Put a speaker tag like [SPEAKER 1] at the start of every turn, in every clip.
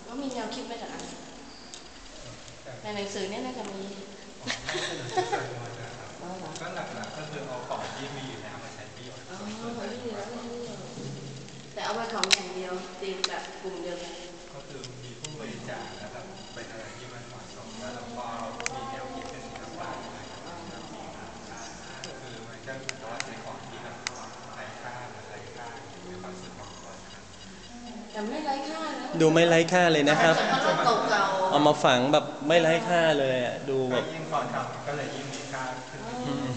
[SPEAKER 1] ก็มีแนวคิดมาจากอะไรในหนังสือเนี่ยน่าจะมี
[SPEAKER 2] ก็หลักๆก็คือเอาของที่มีอยู่แล้วมาใช้ประโยชน์
[SPEAKER 1] แต่เอาไปของอย่างเดียวตีแบบกลุ่มเดียวกัน
[SPEAKER 2] ก็คือมีผู้บริจาคนะครับเป็นอะไรที่มันเหมาะสมแล้วเราก็มีแนวคิดเป็นศิลปะคือมันก็ถือว่าเป็นของที่แบบไร้ค่าในความรู้สึกของคน
[SPEAKER 1] แต่ไม่ไร้ค่านะ
[SPEAKER 3] ดูไม่ไร้ค่าเลยนะครับ
[SPEAKER 1] เก่าๆ
[SPEAKER 3] เอามาฝังแบบไม่ไร้ค่าเลยอ่ะดูแบบ
[SPEAKER 2] ยิ่งตอนทำก็เลยยิ่งมีค่าขึ้น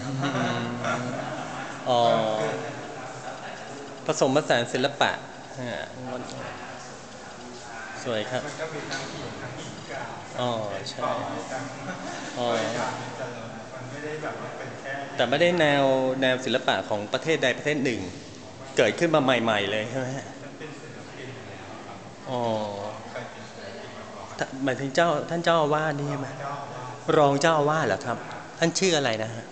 [SPEAKER 3] อ๋อผสมผสานศิลปะสวยครับ
[SPEAKER 2] มันก็มีทั้งหินทั้งหินกา
[SPEAKER 3] อ๋อใช่อ๋อ
[SPEAKER 2] มันไม่ได้แบบเป็นแค่
[SPEAKER 3] แต่ไม่ได้แนวศิลปะของประเทศใดประเทศหนึ่งเกิดขึ้นมาใหม่ๆเลยใช่ไหมฮะอ๋อหมายถึงท่านเจ้าอาวาสนี่ใช่ไหมรองเจ้าอาวาสเหรอครับท่านชื่ออะไรนะฮะ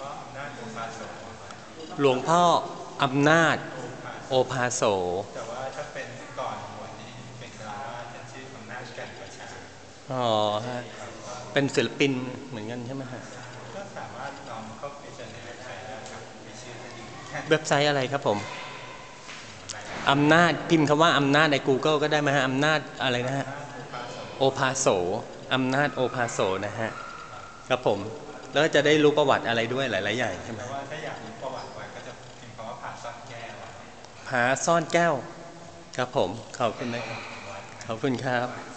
[SPEAKER 3] หลวงพ่ออำนาจโอภาโส
[SPEAKER 2] แต่ว่าถ้าเป็นก่อนวันนี้เป็นคารวาสท่านชื่ออำนาจกันประชา
[SPEAKER 3] อ๋อฮะเป็นศิลปินเหมือนกันใช่ไหมฮะ
[SPEAKER 2] ก็สามารถลองเข้าไปเจอในเว็บไซต์ได้ครับมีชื่อ
[SPEAKER 3] เว็บไซต์อะไรครับผมอำนาจพิมพ์คำว่าอำนาจใน Google ก็ได้ไหมฮะอำนาจอะไรนะฮะโอภาโสอำนาจโอภาโสนะฮะครับผมแล้วจะได้รู้ประวัติอะไรด้วยหลายๆอย่างใช่ไหม
[SPEAKER 2] ว่าถ้าอยากรู้ประวัติไว้ก็จะพิมพ์คำว่าผาซ่อนแก้ว
[SPEAKER 3] ผาซ่อนแก้วครับผมขอบคุณนะครับขอบคุณครับ